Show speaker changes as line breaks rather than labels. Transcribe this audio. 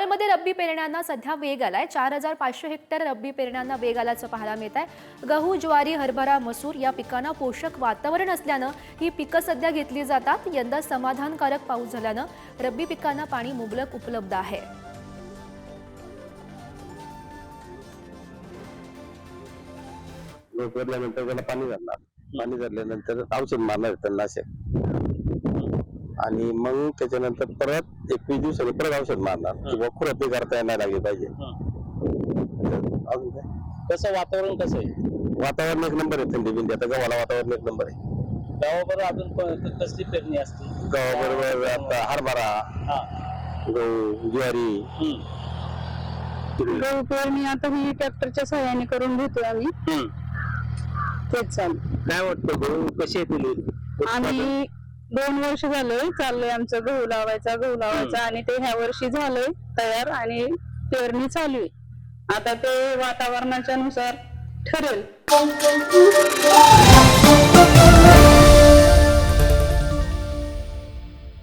मावळमध्ये रब्बी पेरण्यांना सध्या वेग आलाय। 4500 हेक्टर रब्बी पेरण्यांना वेग आल्याचं पाहायला मिळत आहे। गहू, ज्वारी, हरभरा, मसूर या पिकांना पोषक वातावरण असल्यानं ही पिकं सध्या घेतली जातात। यंदा समाधानकारक पाऊस झाल्यानं रब्बी पिकांना पाणी मुबलक उपलब्ध आहे।
पेरल्यानंतर त्याला पाणी घालणार, पाणी घातल्यानंतर औषध मारणार तणनाशक आणि मग त्याच्यानंतर परत 21 दिवसांनी परत औषध मारणार किंवा खुरपणी करता येणार लागली पाहिजे। अजून काय
कसं वातावरण कसं आहे?
वातावरण एक नंबर आहे, थंडी बिंडी आता गव्हाला वातावरण एक नंबर आहे।
गावाबरोबर अजून कसली पेरणी असते?
गव्हाबरोबर आता हरभरा, गहू, ज्वारी,
गहू पेरणी आता ही ट्रॅक्टरच्या सहाय्याने करून घेतोय आम्ही। तेच चालू।
काय वाटतं गहू कसे येतील?
आम्ही 2 वर्ष झालंय चाललंय आमचं गहू लावायचा आणि ते ह्या वर्षी झालंय तयार आणि पेरणी चालू आहे। आता ते वातावरणाच्या नुसार ठरेल।